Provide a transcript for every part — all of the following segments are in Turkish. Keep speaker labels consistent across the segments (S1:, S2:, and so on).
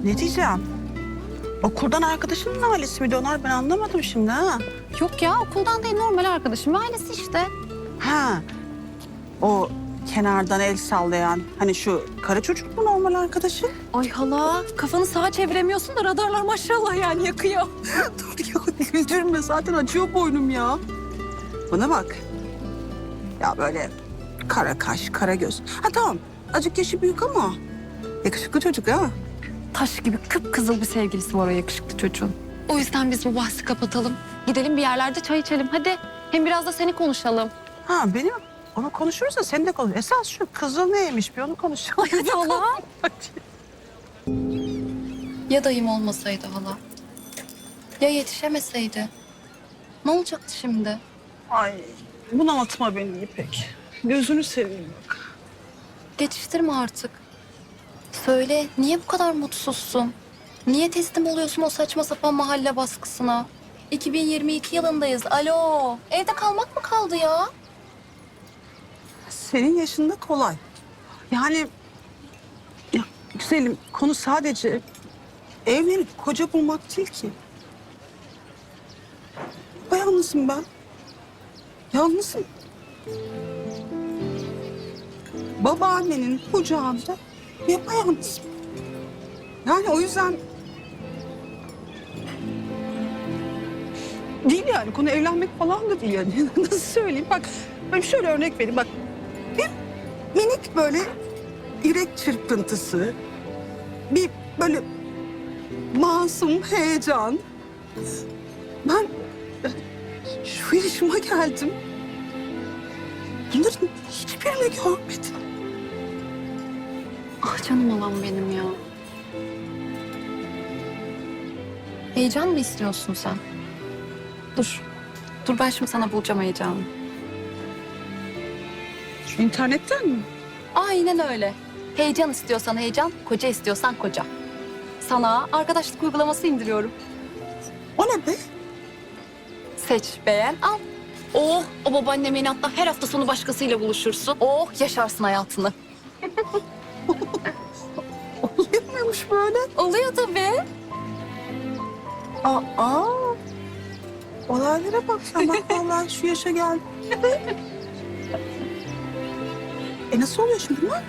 S1: Ne diyeceğim? Okuldan arkadaşının ailesi miydi onlar? Ben anlamadım şimdi ha.
S2: Yok ya, okuldan değil, normal arkadaşım. Ailesi işte.
S1: Ha. O kenardan el sallayan hani şu kara çocuk mu normal arkadaşı?
S2: Ay hala, kafanı sağa çeviremiyorsun da radarlar maşallah yani yakıyor.
S1: Dur ya güldürme zaten acıyor boynum ya. Bana bak. Ya böyle kara kaş, kara göz. Ha tamam azıcık yaşı büyük ama yakışıklı çocuk ha.
S2: Taş gibi kıpkızıl bir sevgilisi var o yakışıklı çocuğun. O yüzden biz bu bahsi kapatalım. Gidelim bir yerlerde çay içelim hadi. Hem biraz da seni konuşalım.
S1: Ha benim onu konuşuruz da sen de konuş. Esas şu kızıl neymiş bir onu konuşalım.
S2: Hadi hala. Ya dayım olmasaydı hala? Ya yetişemeseydi? Ne olacaktı şimdi?
S1: Ay bunaltma beni İpek. Gözünü seveyim bak.
S2: Geçiştirme artık. Söyle, niye bu kadar mutsuzsun? Niye teslim oluyorsun o saçma sapan mahalle baskısına? 2022 yılındayız. Alo, evde kalmak mı kaldı ya?
S1: Senin yaşında kolay. Yani ya güzelim konu sadece evlenip koca bulmak değil ki. Yalnızım ben. Yalnızım. Babaannenin kucağında yapayalnızım. Yani o yüzden değil yani konu evlenmek falan da değil yani. Nasıl söyleyeyim bak ben şöyle örnek vereyim bak. Bir minik böyle yürek çırpıntısı, bir böyle masum heyecan. Ben şu yaşıma geldim. Bunların hiçbirini görmedim.
S2: Ah canım olan benim ya. Heyecan mı istiyorsun sen? Dur. Dur ben şimdi sana bulacağım heyecanı.
S1: Şu internetten mi?
S2: Aynen öyle. Heyecan istiyorsan heyecan, koca istiyorsan koca. Sana arkadaşlık uygulaması indiriyorum.
S1: O ne be?
S2: Seç, beğen, al. Oh, o babaannemin hatta her hafta sonu başkasıyla buluşursun. Oh, yaşarsın hayatını.
S1: Oluyor muymuş böyle?
S2: Oluyor tabii.
S1: Aa, olaylara bak sen bak vallahi şu yaşa geldim. Nasıl oluyor şimdi bunlar?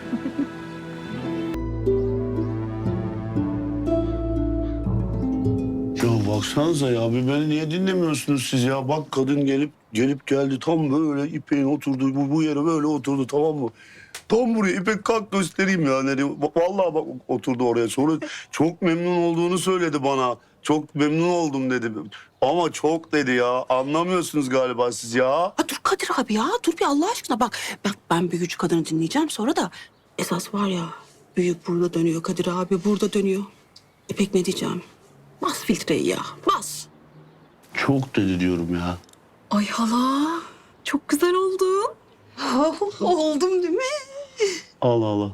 S3: Ya baksanıza ya bir beni niye dinlemiyorsunuz siz ya? Bak kadın gelip geldi tam böyle İpek'in oturduğu bu yere böyle oturdu tamam mı? Tam buraya İpek kalk göstereyim ya. Vallahi bak oturdu oraya. Sonra çok memnun olduğunu söyledi bana. Çok memnun oldum dedi. Ama çok dedi ya. Anlamıyorsunuz galiba siz ya.
S1: Ha, dur Kadir abi ya dur bir Allah aşkına bak. Ben büyücü kadını dinleyeceğim sonra da esas var ya büyük burada dönüyor Kadir abi burada dönüyor. İpek ne diyeceğim? Bas filtreyi ya bas.
S3: Çok dedi diyorum ya.
S1: Ay hala çok güzel oldun. Oldum değil mi?
S3: Allah Allah.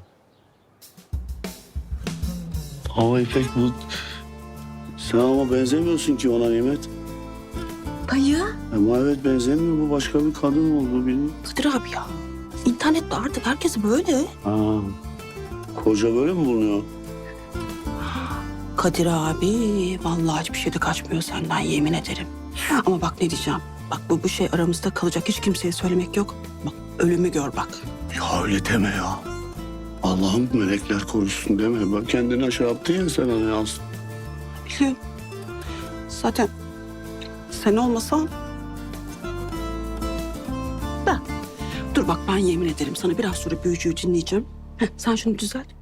S3: Ama İpek bu... Sen ama benzemiyorsun ki ona Nimet.
S1: Dayı.
S3: Ama evet benzemiyor. Bu başka bir kadın oldu bilmiyorum.
S1: Kadir abi ya. İnternette artık herkes böyle.
S3: Ha. Koca böyle mi bulunuyor?
S1: Kadir abi vallahi hiçbir şey de kaçmıyor senden yemin ederim. Ama bak ne diyeceğim. Bak bu şey aramızda kalacak hiç kimseye söylemek yok. Bak ölümü gör bak.
S3: Ya öyle deme ya. Allah'ım melekler korusun deme. Bak kendini aşağı attın ya sen hani az.
S1: Biliyorum. Zaten sen olmasan... Da. Dur bak ben yemin ederim sana biraz sonra büyücüyü dinleyeceğim. Heh, sen şunu düzelt.